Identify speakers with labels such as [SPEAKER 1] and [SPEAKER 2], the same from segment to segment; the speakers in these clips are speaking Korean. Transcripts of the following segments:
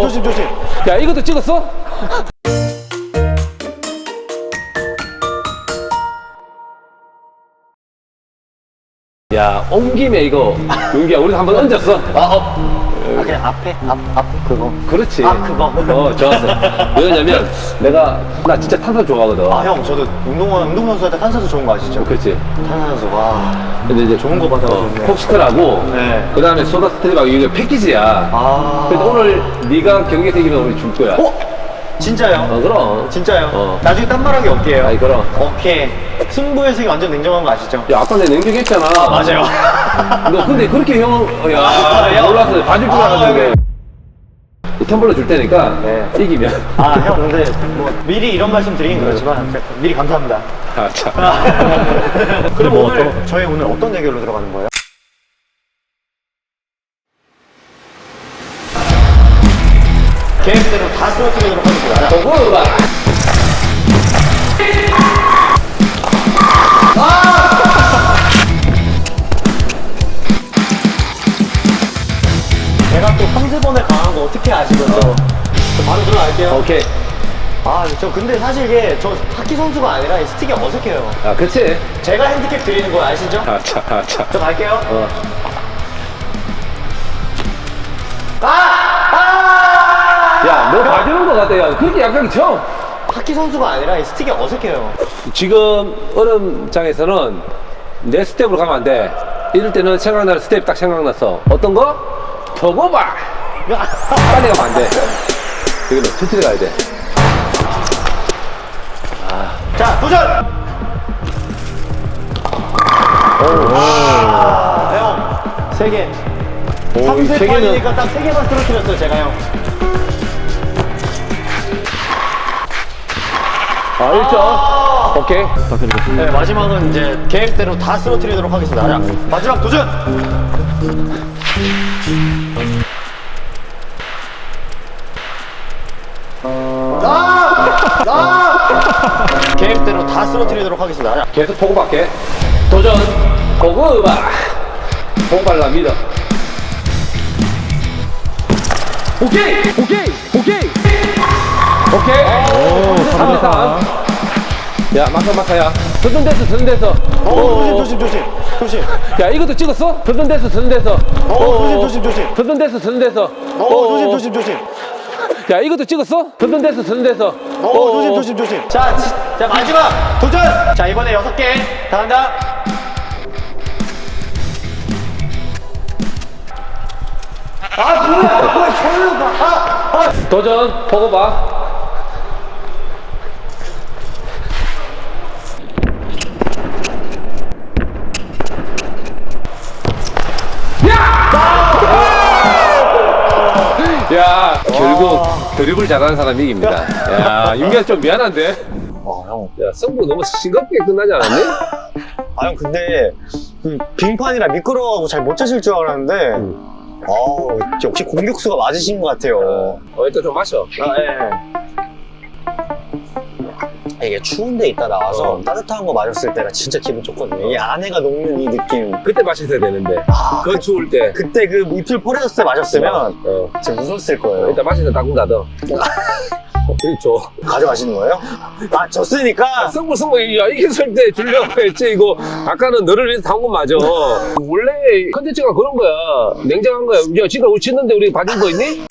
[SPEAKER 1] 조심 조심.
[SPEAKER 2] 야, 이것도 찍었어? 야, 온 김에 이거, 윤기야, 우리 한번 얹었어.
[SPEAKER 1] 그냥 앞에 앞 그거.
[SPEAKER 2] 그렇지.
[SPEAKER 1] 그거.
[SPEAKER 2] 좋았어. 왜냐면, 나 진짜 탄산 좋아하거든.
[SPEAKER 1] 형 저도 운동선수 할 때 탄산수 좋은 거 아시죠?
[SPEAKER 2] 그렇지.
[SPEAKER 1] 탄산수 와.
[SPEAKER 2] 근데 이제
[SPEAKER 1] 좋은 거 받아가지고.
[SPEAKER 2] 콕스트라고,
[SPEAKER 1] 네.
[SPEAKER 2] 그 다음에 소다 스트립하고 이게 패키지야. 근데 오늘 네가 경기 생기면 우리 줄 거야.
[SPEAKER 1] 진짜요?
[SPEAKER 2] 그럼.
[SPEAKER 1] 진짜요? 나중에 딴 말하기 없게요.
[SPEAKER 2] 아이, 그럼.
[SPEAKER 1] 오케이. 승부의 색이 완전 냉정한 거 아시죠?
[SPEAKER 2] 야, 아까 내가 냉정했잖아.
[SPEAKER 1] 맞아요.
[SPEAKER 2] 너 근데 그렇게 야, 몰랐어. 봐줄 줄 알았는데. 이 텀블러 줄 테니까,
[SPEAKER 1] 네.
[SPEAKER 2] 이기면.
[SPEAKER 1] 형 근데 뭐 미리 이런 말씀 드리긴 그렇지만 미리 감사합니다.
[SPEAKER 2] 아, 참.
[SPEAKER 1] 그럼
[SPEAKER 2] 뭐
[SPEAKER 1] 오늘 저희 오늘 어떤 대결로 들어가는 거예요? 계획대로 다 쓰러뜨리도록 하겠습니다.
[SPEAKER 2] 도구가.
[SPEAKER 1] 제가 또 상세번에 강한 거 어떻게 아시면서 바로 들어갈게요.
[SPEAKER 2] 오케이.
[SPEAKER 1] 저 근데 사실 이게 저 하키 선수가 아니라 이 스틱이 어색해요.
[SPEAKER 2] 아, 그치?
[SPEAKER 1] 제가 핸디캡 드리는 거 아시죠?
[SPEAKER 2] 아, 참, 아, 참.
[SPEAKER 1] 저 갈게요.
[SPEAKER 2] 야, 너 봐주는 거 같아. 야, 그렇게 약하게 쳐.
[SPEAKER 1] 하키 선수가 아니라 이 스틱이 어색해요.
[SPEAKER 2] 지금 얼음장에서는 내 스텝으로 가면 안 돼. 이럴 때는 생각나는 스텝 딱 생각났어. 어떤 거? 저거 봐. 빨리 가면 안 돼. 이거는 천천히 가야 돼.
[SPEAKER 1] 자, 도전! 형, 3개.
[SPEAKER 2] 오,
[SPEAKER 1] 3세
[SPEAKER 2] 세 개는-
[SPEAKER 1] 판이니까 딱 3개만 쓰러뜨렸어요, 제가 형.
[SPEAKER 2] 아, 1점. 오케이.
[SPEAKER 1] 네, 마지막은 이제 계획대로 다 쓰러뜨리도록 하겠습니다. 자, 마지막 도전! 계획대로 다 쓰러뜨리도록 하겠습니다. 자,
[SPEAKER 2] 계속 보고 받게. 도전. 보고 봐. 보고 발라 믿어. 오케이. 오케이. 오케이. 오케이. 오, 3대3. 야, 마카야. 서든 데서.
[SPEAKER 1] 조심.
[SPEAKER 2] 야, 이것도 찍었어? 서든 데서.
[SPEAKER 1] 조심.
[SPEAKER 2] 서든 데서.
[SPEAKER 1] 조심.
[SPEAKER 2] 야, 이것도 찍었어? 서든 데서.
[SPEAKER 1] 조심. 자, 마지막 도전! 자, 이번에 6개. 다 간다.
[SPEAKER 2] 도전. 보고 봐. 야, 결국 드리블 잘하는 사람이 이깁니다. 야, 윤기야 좀 미안한데.
[SPEAKER 1] 형.
[SPEAKER 2] 야, 승부 너무 싱겁게 끝나지 않았니?
[SPEAKER 1] 형, 근데, 빙판이라 미끄러워하고 잘 못 차실 줄 알았는데, 역시 공격수가 맞으신 것 같아요.
[SPEAKER 2] 일단 좀 마셔.
[SPEAKER 1] 이게 추운데 있다 나와서 따뜻한 거 마셨을 때가 진짜 기분 좋거든요. 이 안에가 녹는 이 느낌.
[SPEAKER 2] 그때 마셨어야 되는데. 그건 추울 때.
[SPEAKER 1] 그때 그 입술 포레졌을 때 마셨으면 진짜 무서웠을 거예요.
[SPEAKER 2] 일단 마시다 닦고 닫어. 그렇죠.
[SPEAKER 1] 가져가시는 거예요? 졌으니까.
[SPEAKER 2] 승부, 야, 이겼을 때 주려고 했지, 이거. 아까는 너를 위해서 담은 건 맞아. 원래 컨텐츠가 그런 거야. 냉정한 거야. 야, 지금 우리 치는데 우리 봐준 거 있니?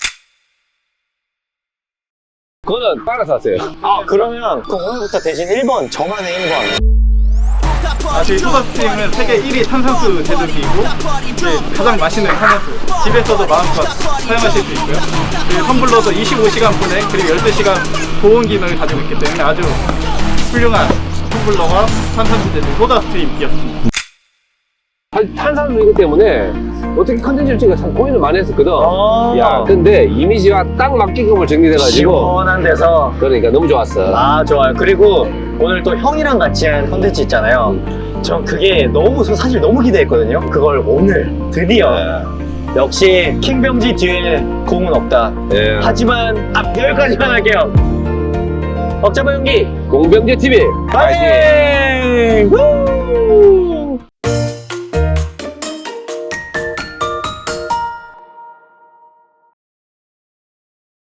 [SPEAKER 2] 그거는 따라서 하세요.
[SPEAKER 1] 그러면 오늘부터 대신 1번, 저만의 1번.
[SPEAKER 3] 저희 소다스팀은 세계 1위 탄산수 제조기이고 가장 맛있는 탄산수 집에서도 마음껏 사용하실 수 있고요. 그리고 텀블러도 25시간 보내 그리고 12시간 보온 기능을 가지고 있기 때문에 아주 훌륭한 텀블러와 탄산수 제조 소다스트림이었습니다.
[SPEAKER 2] 탄산수이기 때문에 어떻게 컨텐츠를 찍어 참 고민을 많이 했었거든. 야, 근데 이미지와 딱 맞게끔을 정리돼가지고.
[SPEAKER 1] 시원한 데서.
[SPEAKER 2] 그러니까 너무 좋았어.
[SPEAKER 1] 좋아요. 그리고 오늘 또 형이랑 같이 한 컨텐츠 있잖아요. 전 그게 사실 너무 기대했거든요. 그걸 오늘 드디어. 역시 킹병지 뒤에 공은 없다.
[SPEAKER 2] 예.
[SPEAKER 1] 하지만 여기까지만 할게요. 억잡아 연기
[SPEAKER 2] 공병제 TV
[SPEAKER 1] 파이팅! 후!